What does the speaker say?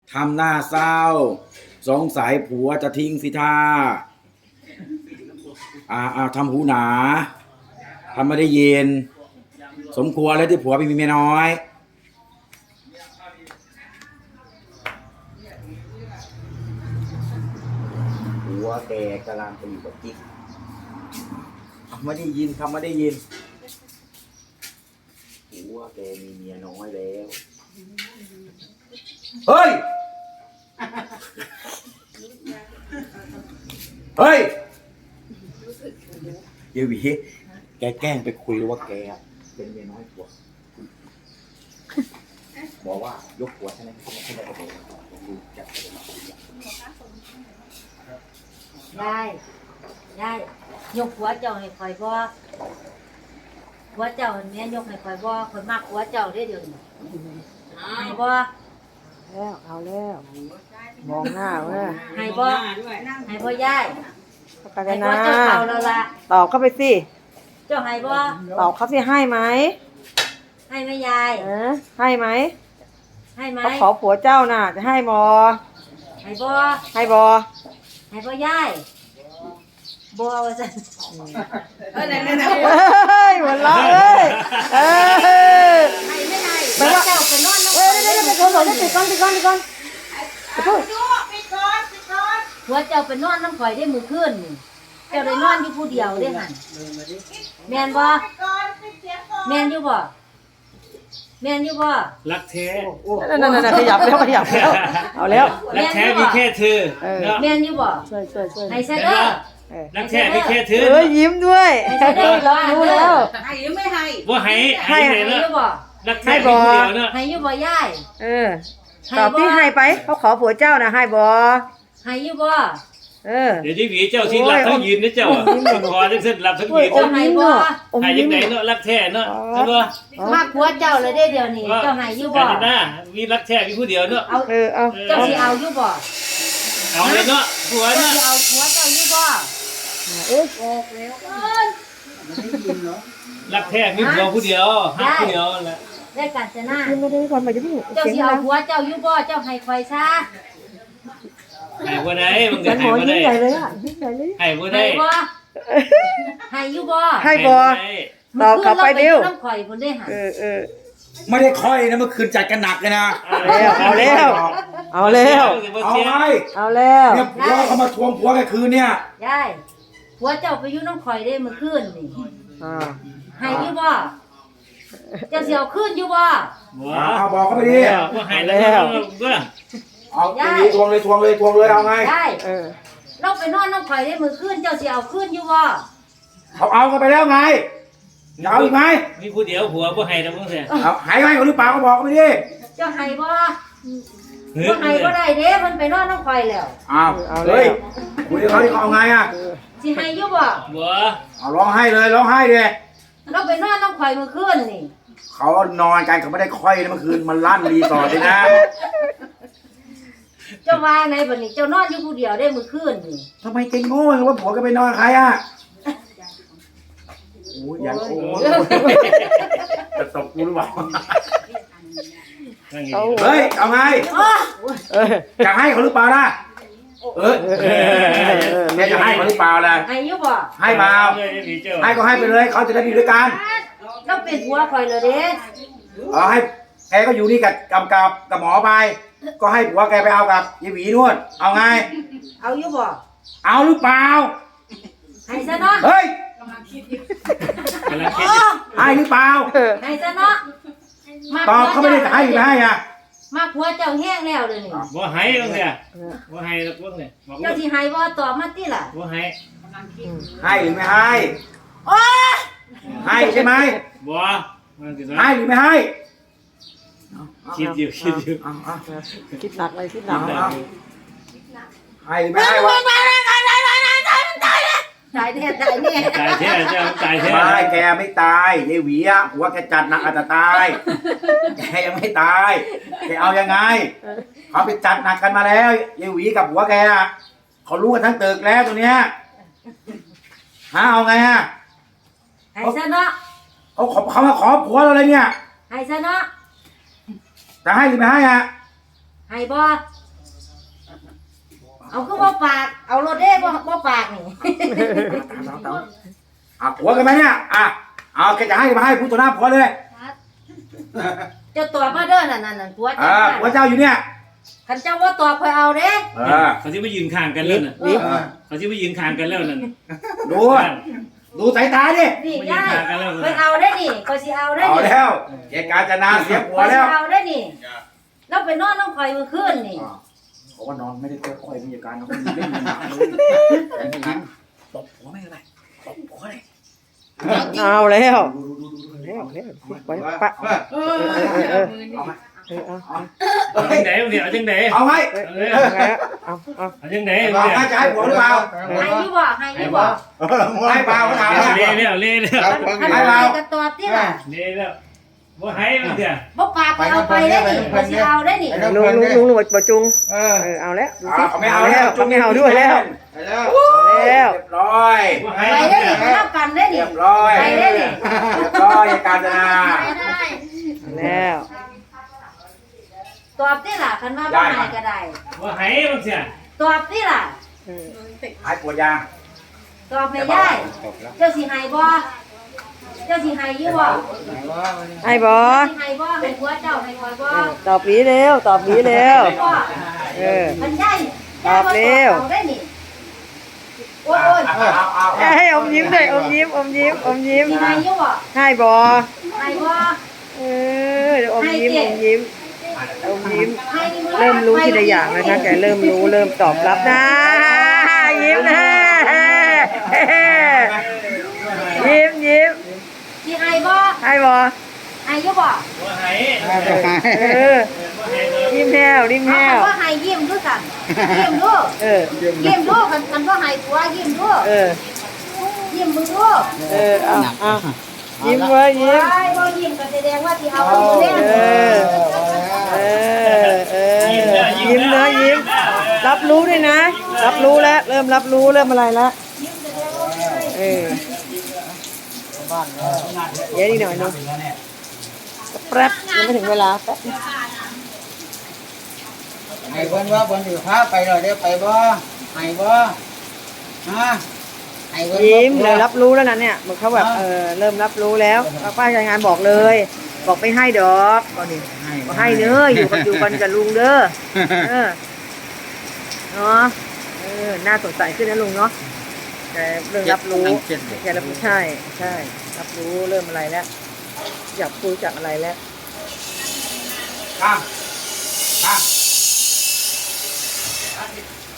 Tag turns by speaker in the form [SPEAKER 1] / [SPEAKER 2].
[SPEAKER 1] ทำหน้าเศร้าสงสัยผัวจะทิ้งสิท่าทำหูหนาทำไม่ได้ยินสมควรแล้วที่ผัวไปมีเมียน้อยผัวแกกำลังไปอยู่กับกิ๊กไม่ได้ยินทำไม่ได้ยินผัวแกมีเมียน้อยแล้วเฮ้ยเฮ้ยเดี๋ยววีแกแกล้งไปคุยว่าแกเป็นเมียน้อยผัวบอกว่ายกผัวใช่ไหมไม่ได้ประโยชน์ดูจับไปเลย
[SPEAKER 2] ได้ยกหัวเจ้าให้คอยบ่หัวเจ้าเนี่ยยกให้คอยบ่คอยมากหัวเจ้าได้เดี๋ยวนี้ให้บ่
[SPEAKER 3] แล้วเอาแล้วมองหน้าเว้ย
[SPEAKER 2] ให้บ่ให้บ่ยาย
[SPEAKER 3] ประกาศ
[SPEAKER 2] ให้บ่
[SPEAKER 3] นะ
[SPEAKER 2] เจ้าเขาแล้วล่ะ
[SPEAKER 3] ตอบเข้าไปสิ
[SPEAKER 2] เจ้าให้บ่
[SPEAKER 3] ตอบเขาสิให้ไหม
[SPEAKER 2] ให้ไหมยาย
[SPEAKER 3] ให้ไหม
[SPEAKER 2] ให้ไหม
[SPEAKER 3] เขาขอผัวเจ้าน่ะจะให้บอ
[SPEAKER 2] ให้บ่
[SPEAKER 3] ให้บอ
[SPEAKER 2] ให้บ่ยายบ่ว่าซั่น
[SPEAKER 3] นั่นๆหัวเราะเอ้ย
[SPEAKER 2] ให้ไม่ได้เจ้าไปนอนน้ำเดี๋ยว
[SPEAKER 3] ปิดก่อนปิดก่อนขอโทษ
[SPEAKER 2] หัวเจ้าไปนอนน้ำข่อยได้มื้อคืนนี่เจ้าได้นอนอยู่ผู้เดียวเด้หั่นแม่นบ่แม่นอยู่บ่แม่นอยู่บ่
[SPEAKER 4] รักแท้
[SPEAKER 3] นั่นๆขยับแล้วเอาแล้ว
[SPEAKER 4] รักแท้มีแค่เธอ
[SPEAKER 2] แม่นอยู่บ่
[SPEAKER 3] ช่วย
[SPEAKER 2] ให้ซะเด้อ
[SPEAKER 4] รักแท้มีแค่เธอ
[SPEAKER 3] ยิ้มด้วยรู้แล้ว
[SPEAKER 2] ให้หรือไม่ให้
[SPEAKER 4] ว่าให้
[SPEAKER 2] อยู่บ่
[SPEAKER 4] รักแท้มีผู้เดียวเนาะ
[SPEAKER 2] ให้อยู่บ่ยาย
[SPEAKER 3] ตอบที่ให้ไปเขาขอผัวเจ้านะให้บ่
[SPEAKER 2] ให้อยู่บ่
[SPEAKER 4] เดี๋ยวที่หวีเจ้าที่รับทั้งยืนนะเจ้าคอจังเส้นรับทั้งยืน
[SPEAKER 2] เจ้าให้บ่
[SPEAKER 4] ให้ยังไงเนาะรักแท้เนาะใช่ป่ะ
[SPEAKER 2] มาผัวเจ้าเลยได้เดี๋ยวนี้เจ้าให้อยู่บ่
[SPEAKER 4] มีรักแท้มีผู้เดียวเนาะ
[SPEAKER 3] เอา
[SPEAKER 2] เจ้าสิเอาอยู่บ่
[SPEAKER 4] เอาเลยเนาะผัวเนาะ
[SPEAKER 2] เอาผัวเจ้าอยู่บ่
[SPEAKER 3] อ
[SPEAKER 2] อกแล้ว
[SPEAKER 4] รักแท้มีผัวผู้เดียวฮักผู้เดียวแหละ
[SPEAKER 2] ได้กันจะหน้า
[SPEAKER 3] ไม่ได้ก่อนไปจะพี่
[SPEAKER 2] เจ้าสิเอาผัวเจ้าอยู่บ่เจ้าให้คอยซะ
[SPEAKER 4] ให้บ่ได้มึงจะ
[SPEAKER 3] ให้บ่ได้ยิ่งใหญ่เลยอ่ะยิ่งใหญ่เลย
[SPEAKER 4] ให้บ่ได้
[SPEAKER 2] ให้อยู่บ่
[SPEAKER 3] ให้บ่ตอบกลับไปเร็ว
[SPEAKER 2] น้ำข่อยพุ่นได้หา
[SPEAKER 1] ไม่ได้ค่อยนะเมื่อคืนจัดกันหนักเลยนะ
[SPEAKER 3] เอาแล้ว
[SPEAKER 1] เอาไงเนี่ยผัวเขามาทวงผัวกันคืนเนี่ย
[SPEAKER 2] ยายผัวเจ้าไปอยู่น้ำข่อยได้เมื่อคืนนี่ให้อยู่บ่เจ้าสิเอาคืนอยู่บ่
[SPEAKER 1] บอกเขาไปดิ
[SPEAKER 4] ว่าให้แล้ว
[SPEAKER 1] เอาทวงเลยเอาไง
[SPEAKER 2] ได้เราไปนอนน้ำข่อยได้เมื่อคืนเจ้าสิเอาคืนอยู่บ่
[SPEAKER 1] เอากันไปแล้วไงเอาอีกไหม
[SPEAKER 4] มีผู้เดียวผัวบ่ให้นะมึงเสีย
[SPEAKER 1] เอาให้ไหมหรือเปล่าก็บอกเขาไปดิ
[SPEAKER 2] เจ้าให้บ่ให้บ่ได้เด้มันไปนอนน้ำข่อยแล้ว
[SPEAKER 1] เอาเฮ้ยคุยกับเขาดิเขาเอาไงอ่ะ
[SPEAKER 2] สิให้อยู่บ่
[SPEAKER 1] เอาร้องไห้เลยร้องไห้ดิ
[SPEAKER 2] เราไปนอนน้ำข่อยเมื่อคืนนี่
[SPEAKER 1] เขานอนกันเขาไม่ได้ค่อยนะเมื่อคืนมันลั่นรีสอร์ทเลยนะ
[SPEAKER 2] เจ้าว่าไงบัดนี้เจ้านอนอยู่ผู้เดียวได้เมื่อคืนนี่
[SPEAKER 1] ทำไมเก่งโง่ว่าผัวก็ไปนอนใครอ่ะโอ้ยอย่างโง่จะตบกูหรือเปล่าเฮ้ยเอาไงจะให้เขาหรือเปล่าล่ะเนี่ยจะให้เขาหรือเปล่าล่ะ
[SPEAKER 2] ให้ยุบบ่
[SPEAKER 1] ให้เปล่าให้ก็ให้ไปเลยเขาจะได้ดีด้วยกัน
[SPEAKER 2] เราเป็นผัวคอยเลยเด้
[SPEAKER 1] ให้แกก็อยู่นี่กับหมอไปก็ให้ผัวแกไปเอากับยายหวีนวดเอาไง
[SPEAKER 2] เอายุบบ่
[SPEAKER 1] เอาหรือเปล่า
[SPEAKER 2] ให้ซะเนาะ
[SPEAKER 1] เฮ้ยให้หรือเปล่า
[SPEAKER 2] ให้ซะเนาะ
[SPEAKER 1] ตอบเขาไม่ได้จะให้หรือไม่ให้อ่ะ
[SPEAKER 2] มาผัวเจ้าแห้งแล้วเลยนี่
[SPEAKER 4] บ่ให้ตรงเนี้ยบ่ให้ตรงเนี้ย
[SPEAKER 2] เจ้าที่ให้บ่ตอบมาติล่ะ
[SPEAKER 4] บ่ให้
[SPEAKER 1] ให้หรือไม่ให้ให้ใช่ไหม
[SPEAKER 4] บ่
[SPEAKER 1] ให้หรือไม่ให้
[SPEAKER 4] คิดอยู่
[SPEAKER 3] คิดหนักเลยคิดหนัก
[SPEAKER 1] ให้หรือไม่ให้วะ
[SPEAKER 2] ตายแท้
[SPEAKER 4] เจ้าตายแท้
[SPEAKER 1] ไม่แกไม่ตายยายหวีอ่ะหัวแกจัดหนักอาจจะตายแกยังไม่ตายแกเอายังไงเขาไปจัดหนักกันมาแล้วยายหวีกับหัวแกอ่ะเขารู้กันทั้งตึกแล้วตัวเนี้ยเอาไงอ่ะ
[SPEAKER 2] ให้ซะเนาะ
[SPEAKER 1] เขามาขอผัวเราเลยเนี่ย
[SPEAKER 2] ให้ซะเนาะ
[SPEAKER 1] จะให้หรือไม่ให้อ่ะ
[SPEAKER 2] ให้บ่เอาคือบ่ปากเอารถเด้บ่ปากนี่
[SPEAKER 1] ผัวกันไหมเนี่ยเอาแกจะให้มาให้พูดต่อหน้าผัวเลย
[SPEAKER 2] เจ้าตอบมาเด้อนั่นผัวเจ้า
[SPEAKER 1] ผัวเจ้าอยู่เนี่ย
[SPEAKER 2] คันเจ้าว่าตอบค่อยเอาเด้
[SPEAKER 4] เขาที่มายืนข้างกันแล้วน่ะ
[SPEAKER 3] วิ
[SPEAKER 4] เขาที่มายืนข้างกันแล้วนั่น
[SPEAKER 1] ดูสายตาดิ
[SPEAKER 2] นี่ยายค่อยเอาได้นี่ก็สิเอาได้
[SPEAKER 1] เอา
[SPEAKER 2] นี่
[SPEAKER 1] แล้วแกการจะนาเสียผัวแล้ว
[SPEAKER 2] เอาได้นี่เราไปนอนน้องข่อยมื้อคืนนี่
[SPEAKER 1] เขาว่านอนไม่ได้ค่อยมีอาการเขาเล่นหนักเลยตบผัวไม่อะไรตบผัวเลย
[SPEAKER 3] เอาแล้วแล้วไปปะ
[SPEAKER 1] เอาไหม
[SPEAKER 4] เอาจังไหนเนี่ยเอาจังไหน
[SPEAKER 1] เอาไหม
[SPEAKER 4] เอาจังไหน
[SPEAKER 1] บอกให้จะให้ผัวหรือเปล่า
[SPEAKER 2] ให้อยู่บ่ให้อยู่บ่
[SPEAKER 1] ให้เปล่าเขาถาม
[SPEAKER 4] เล่แล้วเล่แล้ว
[SPEAKER 2] คันให้ก็ตอบติล่ะ
[SPEAKER 4] เล่แล้วว่าให้มันเถอะ
[SPEAKER 2] บ่ปากก็เอาไปได้นี่ก็สิเอาได้นี่
[SPEAKER 3] ลุงบ่จุงเอาแล้วดูสิ
[SPEAKER 1] ไม่เอาแล้ว
[SPEAKER 3] ไม่เอาด้วยแล้ว
[SPEAKER 1] แล้ว
[SPEAKER 3] แล้ว
[SPEAKER 1] เรียบร้อย
[SPEAKER 4] ว่า
[SPEAKER 2] ไป
[SPEAKER 4] ให้
[SPEAKER 2] ได้นี่ไปรับกันได้
[SPEAKER 1] เรี
[SPEAKER 2] นี่
[SPEAKER 1] ยบร้อย
[SPEAKER 2] ไปได้นี่
[SPEAKER 1] เรียบร้อยการจนา
[SPEAKER 3] แล้ว
[SPEAKER 2] ตอบติล่ะคันว่าบ่ให้ก็ได้
[SPEAKER 4] ว่าให้มันเถอะ
[SPEAKER 2] ตอบติล่ะ
[SPEAKER 1] ให้ปวดยา
[SPEAKER 2] ตอบให้ยายเจ้าสิให้บ่เจ้าสิให้อยู่บ่
[SPEAKER 3] ไอ้บอ
[SPEAKER 2] สิให้บ่ให้ผัวเจ้าให้ข่อยบ่
[SPEAKER 3] ตอบดีแล้วตอบดีแล้ว
[SPEAKER 2] บ่ มันได้เอาได้นี่โอ้ย
[SPEAKER 3] ให้อมยิ้มด้วยอมยิ้มอมยิ้มอมยิ้ม
[SPEAKER 2] สิให้อยู่บ่
[SPEAKER 3] ให้บอ
[SPEAKER 2] ให้บ่
[SPEAKER 3] อมยิ้มอมยิ้มอมยิ้ม
[SPEAKER 2] ให้นี่
[SPEAKER 3] เริ่มรู้ทีละอย่างนะคะแกเริ่มรู้เริ่มตอบรับนะยิ้มนะยิ้มยิ้ม
[SPEAKER 2] สิให้บ่
[SPEAKER 3] ให้บอ
[SPEAKER 2] ให้อยู่บ่
[SPEAKER 4] ว่าให้
[SPEAKER 3] ยิ้มแห้วยิ้มแห้ว
[SPEAKER 2] ว่าให้ยิ้มด้วยกันยิ้มดูยิ้มดูกันว่าให้ผัวยิ้มดูยิ้มมึงดู
[SPEAKER 3] เอายิ้มไว้ยิ้ม
[SPEAKER 2] ไอ้บ่ยิ้มก็แสดงว่าสิเอาอยู่เด้
[SPEAKER 3] ยิ้มนะยิ้มรับรู้ด้วยนะ รับรู้แล้วเริ่มรับรู้เริ่มอะไรแล้วเดี๋ยวนิดหน่อยนึงแป๊บยังไม่ถึงเวลาแป๊บ
[SPEAKER 5] ไอ้เพิ่นว่าเพิ่นสิพาไปแล้วเดี๋ยวไปบ่ให้บ่ฮะไอ้เพิ่น
[SPEAKER 3] ยิ้มเลยรับรู้แล้วนะเนี่ยมันเขาแบบเริ่มรับรู้แล้วป้ารายงานบอกเลย บอกไม่ให้ดอกก็นี่บอกให้เนื้ออยู่กันกับลุงเด้อเนาะน่าสงสัยขึ้นนะลุงเนาะแต่เรื่องรับรู้แกรับรู้ใช่รับรู้เริ่มอะไรแล้วอยากคุยจากอะไรแล้ว
[SPEAKER 1] ข้าม